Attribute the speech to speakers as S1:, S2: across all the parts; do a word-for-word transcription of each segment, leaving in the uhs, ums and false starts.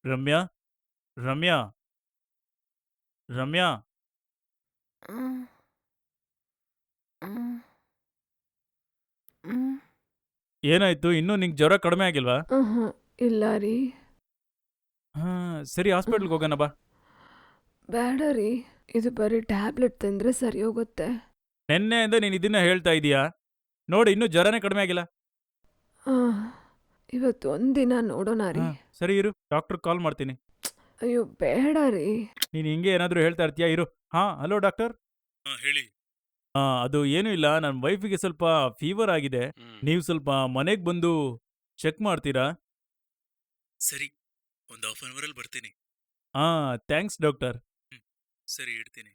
S1: ರಮ್ಯಾ ರಮ್ಯಾ ರಮ್ಯಾ
S2: ಹ್ಮ್, ಹ್ಮ್, ಹ್ಮ್.
S1: ಏನಾಯ್ತು? ಇನ್ನೂ ನಿಂಗೆ ಜ್ವರ ಕಡಿಮೆ ಆಗಿಲ್ವಾ?
S2: ಆಹಾ, ಇಲ್ಲ ರೀ.
S1: ಹಾ, ಸರಿ
S2: ಹ್ಮ್.
S1: ಹಾಸ್ಪಿಟ್ಲ್ಗೆ ಹೋಗೋಣ ಬಾ.
S2: ಬೇಡ ರೀ, ಇದು ಬರೀ ಟ್ಯಾಬ್ಲೆಟ್ ತಿಂದ್ರೆ ಸರಿ ಹೋಗುತ್ತೆ.
S1: ನಿನ್ನೆಯಿಂದ ನೀನು ಇದನ್ನ ಹೇಳ್ತಾ ಇದೀಯಾ? ನೋಡಿ, ಇನ್ನೂ ಜ್ವರನೇ ಕಡಿಮೆ ಆಗಿಲ್ಲ.
S2: ಆಹ್, ಇವತ್ತು ಒಂದಿನ ನೋಡೋಣ
S1: ಹಾ,
S2: ರೀ.
S1: ಸರಿ ಇರು, ಡಾಕ್ಟರ್ ಕಾಲ್ ಮಾಡ್ತೀನಿ.
S2: ಅಯ್ಯೋ ಬೇಡ ರೀ.
S1: ನೀನು ಹಿಂಗೆ ಏನಾದರೂ ಹೇಳ್ತಾ ಇರ್ತೀಯಾ? ಇರು. ಹಾ, ಹಲೋ ಡಾಕ್ಟರ್. ಹಾ, ಹೇಳಿ. ಹಾ, ಅದು ಏನೂ ಇಲ್ಲ, ನನ್ನ ವೈಫಿಗೆ ಸ್ವಲ್ಪ ಫೀವರ್ ಆಗಿದೆ.
S3: ಹ್ಮ್.
S1: ನೀವು ಸ್ವಲ್ಪ ಮನೆಗೆ ಬಂದು ಚೆಕ್ ಮಾಡ್ತೀರಾ? ಸರಿ, ಒಂದು ಹಾಫ್ ಅನ್ ಅವರಲ್ಲಿ ಬರ್ತೀನಿ. ಹಾ, ಥ್ಯಾಂಕ್ಸ್ ಡಾಕ್ಟರ್. ಹ್ಮ್, ಸರಿ ಇಡ್ತೀನಿ.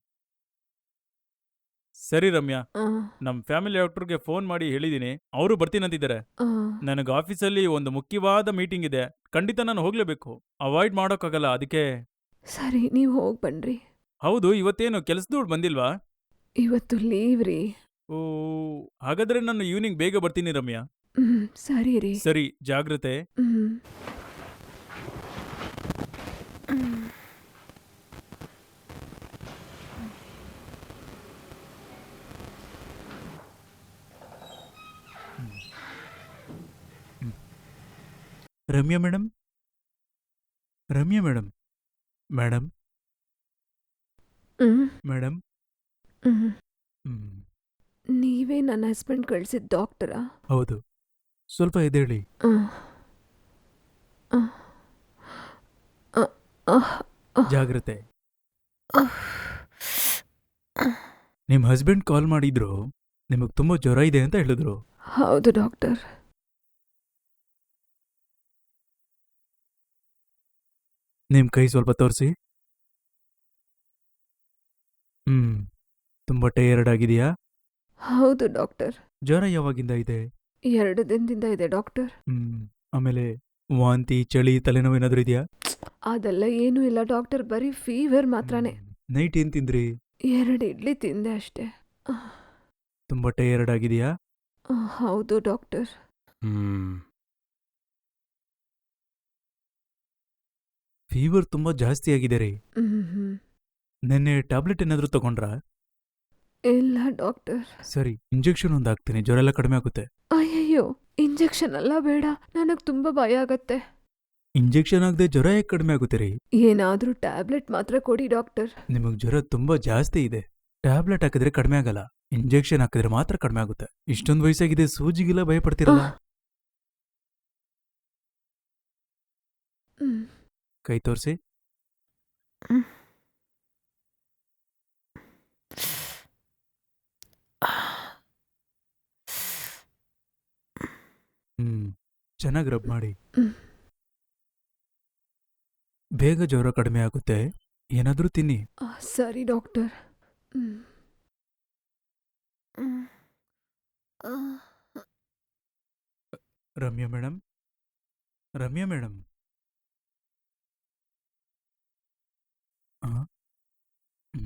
S1: ಸರಿ ರಮ್ಯಾ,
S2: ಆ,
S1: ನಮ್ಮ ಫ್ಯಾಮಿಲಿ ಡಾಕ್ಟರ್ಗೆ ಫೋನ್ ಮಾಡಿ ಹೇಳಿದ್ದೀನಿ, ಅವರು ಬರ್ತೀನಂತಿದ್ದಾರೆ.
S2: ಆ,
S1: ನನಗೆ ಆಫೀಸಲ್ಲಿ ಒಂದು ಮುಖ್ಯವಾದ ಮೀಟಿಂಗ್ ಇದೆ, ಖಂಡಿತ ನಾನು ಹೋಗಲೇಬೇಕು. ಅವಾಯ್ಡ್ ಮಾಡೋಕ್ಕಾಗಲ್ಲ, ಅದಕ್ಕೆ.
S2: ಸರಿ ನೀವು ಹೋಗಿ ಬನ್ರಿ.
S1: ಹೌದು, ಇವತ್ತೇನು ಕೆಲಸದವ್ಳು ಬಂದಿಲ್ವಾ?
S2: ಇವತ್ತು ಲೀವ್ ರೀ.
S1: ಓ, ಹಾಗಾದ್ರೆ ನಾನು ಈವ್ನಿಂಗ್ ಬೇಗ ಬರ್ತೀನಿ ರಮ್ಯಾ.
S2: ಹ್ಮ್, ಸರಿ ರೀ.
S1: ಸರಿ, ಜಾಗ್ರತೆ.
S2: ಹ್ಮ್. ಹ್ಮ್.
S1: Ramya madam, Ramya madam, madam,
S2: ಹ್ಮ್.
S1: ಮೇಡಮ್.
S2: ಹ್ಮ್.
S1: ಹ್ಮ್,
S2: ನೀವೇ ನನ್ನ ಹಸ್ಬೆಂಡ್ ಕಳ್ಸಿದ ಡಾಕ್ಟರಾ?
S1: ಹೌದು, ಸ್ವಲ್ಪ ಎದ್ದೇಳಿ.
S2: ಆಹ್, ಆಹ್, ಆಹ್, ಆಹ್, ಆಹ್,
S1: ಜಾಗ್ರತೆ.
S2: ಆಹ್.
S1: ನಿಮ್ಮ ಹಸ್ಬೆಂಡ್ ಕಾಲ್ ಮಾಡಿದ್ರು, ನಿಮಗೆ ತುಂಬ ಜ್ವರ ಇದೆ ಅಂತ ಹೇಳಿದ್ರು.
S2: ಹೌದು ಡಾಕ್ಟರ್.
S1: ನಿಮ್ಮ ಕೈ ಸ್ವಲ್ಪ ತೋರಿಸಿ. ಹ್ಮ್, ತುಂಬ ಟಯರ್ಡ್ ಆಗಿದೆಯಾ?
S2: ಹೌದು ಡಾಕ್ಟರ್.
S1: ಜ್ವರ ಯಾವಾಗಿಂದ ಇದೆ?
S2: ಎರಡು ದಿನದಿಂದ ಇದೆ ಡಾಕ್ಟರ್.
S1: ಹ್ಮ್, ಆಮೇಲೆ ವಾಂತಿ, ಚಳಿ, ತಲೆನೋವು ಏನಾದರೂ ಇದೆಯಾ?
S2: ಅದೆಲ್ಲ ಏನೂ ಇಲ್ಲ ಡಾಕ್ಟರ್, ಬರೀ ಫೀವರ್ ಮಾತ್ರನೇ.
S1: ನೈಟ್ ಏನು ತಿಂದ್ರಿ?
S2: ಎರಡು ಇಡ್ಲಿ ತಿಂದೆ ಅಷ್ಟೇ. ಆಹ್,
S1: ತುಂಬ ಟಯರ್ಡ್ ಆಗಿದೆಯಾ?
S2: ಆಹ್, ಹೌದು ಡಾಕ್ಟರ್.
S3: ಹ್ಮ್.
S1: ಫೀವರ್ ತುಂಬ ಜಾಸ್ತಿ ಆಗಿದೆ ರೀ.
S2: ಹ್ಮ್ ಹ್ಮ್.
S1: ನೆನ್ನೆ ಟ್ಯಾಬ್ಲೆಟ್ ಏನಾದರೂ ತಗೊಂಡ್ರಾ?
S2: ಇಲ್ಲ ಡಾಕ್ಟರ್.
S1: ಸರಿ, ಇಂಜೆಕ್ಷನ್ ಒಂದು ಹಾಕ್ತೀನಿ, ಜ್ವರ ಎಲ್ಲ ಕಡಿಮೆ ಆಗುತ್ತೆ.
S2: ಅಯ್ಯಯ್ಯೋ, ಇಂಜೆಕ್ಷನ್ ಎಲ್ಲ ಬೇಡ, ನನಗೆ ತುಂಬ ಭಯ ಆಗತ್ತೆ.
S1: ಇಂಜೆಕ್ಷನ್ ಆಗದೆ ಜ್ವರ ಹೇಗೆ ಕಡಿಮೆ ಆಗುತ್ತೆ ರೀ?
S2: ಏನಾದರೂ ಟ್ಯಾಬ್ಲೆಟ್ ಮಾತ್ರ ಕೊಡಿ ಡಾಕ್ಟರ್.
S1: ನಿಮಗೆ ಜ್ವರ ತುಂಬ ಜಾಸ್ತಿ ಇದೆ. ಟ್ಯಾಬ್ಲೆಟ್ ಹಾಕಿದ್ರೆ ಕಡಿಮೆ ಆಗಲ್ಲ, ಇಂಜೆಕ್ಷನ್ ಹಾಕಿದ್ರೆ ಮಾತ್ರ ಕಡಿಮೆ ಆಗುತ್ತೆ. ಇಷ್ಟೊಂದು ವಯಸ್ಸಾಗಿದೆ, ಸೂಜಿಗೆಲ್ಲ ಭಯ ಪಡ್ತಿರಲ್ಲ.
S2: ಆಹ್. ಹ್ಮ್.
S1: ಕೈ ತೋರಿಸಿ.
S2: ಹ್ಮ್.
S1: ಹ್ಮ್, ಚೆನ್ನಾಗಿ ರಬ್ ಮಾಡಿ.
S2: ಹ್ಮ್.
S1: ಬೇಗ ಜ್ವರ ಕಡಿಮೆ ಆಗುತ್ತೆ, ಏನಾದರೂ ತಿನ್ನಿ.
S2: ಆಹ್, ಸರಿ ಡಾಕ್ಟರ್. ಹ್ಮ್. ಹ್ಮ್. ಆಹ್.
S1: Ramya madam, Ramya madam. ಆ? ಹ್ಮ್.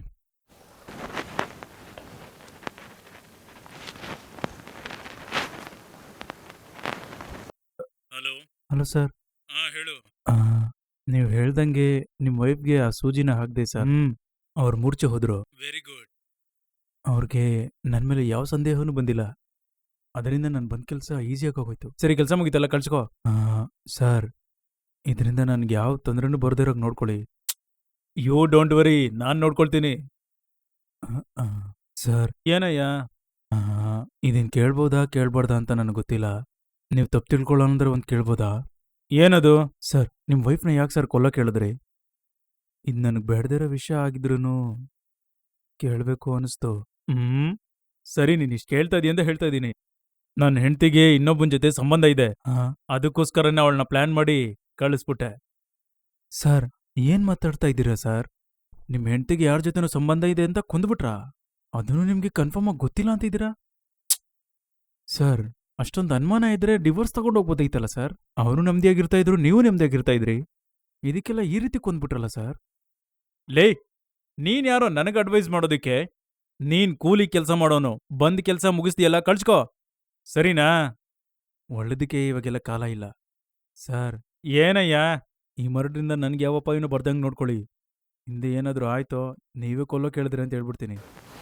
S1: ಹಲೋ. Hello sir. ಹಾ, ಹೇಳು. ನೀವು ಹೇಳ್ದಂಗೆ ನಿಮ್ಮ ವೈಫ್ಗೆ ಆ ಸೂಜಿನ ಹಾಕ್ದೆ ಸರ್. ಹ್ಮ್, ಅವ್ರು ಮೂರ್ಛೆ ಹೋದ್ರು. Very good. ಅವ್ರಿಗೆ ನನ್ನ ಮೇಲೆ ಯಾವ ಸಂದೇಹನೂ ಬಂದಿಲ್ಲ, ಅದರಿಂದ ನಾನು ಬಂದ ಕೆಲಸ ಈಸಿಯಾಗಿ ಹೋಗೋಯ್ತು. ಸರಿ, ಕೆಲಸ ಮುಗಿತಲ್ಲ, ಕಳ್ಸ್ಕೋ. ಆ, ಸರ್, ಇದರಿಂದ ನನ್ಗೆ ಯಾವ ತೊಂದರೆನೂ ಬರ್ದಿರೋಕೆ ನೋಡ್ಕೊಳ್ಳಿ. ಯು ಡೋಂಟ್ ವರಿ, ನಾನು ನೋಡ್ಕೊಳ್ತೀನಿ. ಆ, ಆ, ಸರ್. ಏನಯ್ಯ? ಆ, ಇದನ್ ಕೇಳ್ಬೋದಾ ಕೇಳ್ಬಾರ್ದಾ ಅಂತ ನನಗೆ ಗೊತ್ತಿಲ್ಲ. ನೀವು ತಪ್ಪು ತಿಳ್ಕೊಳ್ಳೋಂದ್ರೆ ಒಂದು ಕೇಳ್ಬೋದಾ? ಏನದು? ಸರ್, ನಿಮ್ಮ ವೈಫ್ನ ಯಾಕೆ ಸರ್ ಕೊಲ್ಲಕ್ಕೆ ಹೇಳಿದ್ರಿ? ಇದು ನನಗೆ ಬೇಡದಿರೋ ವಿಷಯ ಆಗಿದ್ರೂ ಕೇಳಬೇಕು ಅನಿಸ್ತು. ಹ್ಮ್, ಸರಿ, ನೀನು ಇಷ್ಟು ಕೇಳ್ತಾ ಇದೀಯ ಅಂತ ಹೇಳ್ತಾ ಇದ್ದೀನಿ. ನನ್ನ ಹೆಂಡ್ತಿಗೆ ಇನ್ನೊಬ್ಬನ ಜೊತೆ ಸಂಬಂಧ ಇದೆ, ಅದಕ್ಕೋಸ್ಕರನೇ ಅವಳನ್ನ ಪ್ಲಾನ್ ಮಾಡಿ ಕಳಿಸ್ಬಿಟ್ಟೆ. ಸರ್, ಏನ್ ಮಾತಾಡ್ತಾ ಇದ್ದೀರಾ ಸರ್? ನಿಮ್ಮ ಹೆಂಡ್ತಿಗೆ ಯಾರ ಜೊತೆನೋ ಸಂಬಂಧ ಇದೆ ಅಂತ ಕೊಂದ್ಬಿಟ್ರಾ? ಅದನ್ನು ನಿಮ್ಗೆ ಕನ್ಫರ್ಮ್ ಆಗಿ ಗೊತ್ತಿಲ್ಲ ಅಂತಿದ್ದೀರಾ? ಸರ್, ಅಷ್ಟೊಂದು ಅನುಮಾನ ಇದ್ರೆ ಡಿವೋರ್ಸ್ ತಗೊಂಡು ಹೋಗ್ಬೋದೈತಲ್ಲ ಸರ್. ಅವರು ನೆಮ್ಮದಿಯಾಗಿರ್ತಾ ಇದ್ರು, ನೀವು ನೆಮ್ಮದಿಯಾಗಿರ್ತಾ ಇದ್ರಿ. ಇದಕ್ಕೆಲ್ಲ ಈ ರೀತಿ ಕೊಂದ್ಬಿಟ್ರಲ್ಲ ಸರ್. ಲೇ, ನೀನ್ ಯಾರೋ ನನಗೆ ಅಡ್ವೈಸ್ ಮಾಡೋದಕ್ಕೆ? ನೀನ್ ಕೂಲಿ ಕೆಲಸ ಮಾಡೋನು, ಬಂದ್ ಕೆಲಸ ಮುಗಿಸ್ದಿಯಲ್ಲ, ಕಳ್ಸ್ಕೋ. ಸರಿನಾ? ಒಳ್ಳೇದಕ್ಕೆ ಇವಾಗೆಲ್ಲ ಕಾಲ ಇಲ್ಲ. ಸರ್. ಏನಯ್ಯ? ಈ ಮರಡ್ರಿಂದ ನನಗೆ ಯಾವ ಅಪಾಯನೂ ಬರ್ದಂಗೆ ನೋಡ್ಕೊಳ್ಳಿ. ಹಿಂದೆ ಏನಾದರೂ ಆಯ್ತೋ ನೀವೇ ಕೊಲ್ಲೋ ಕೇಳಿದ್ರಿ ಅಂತ ಹೇಳ್ಬಿಡ್ತೀನಿ.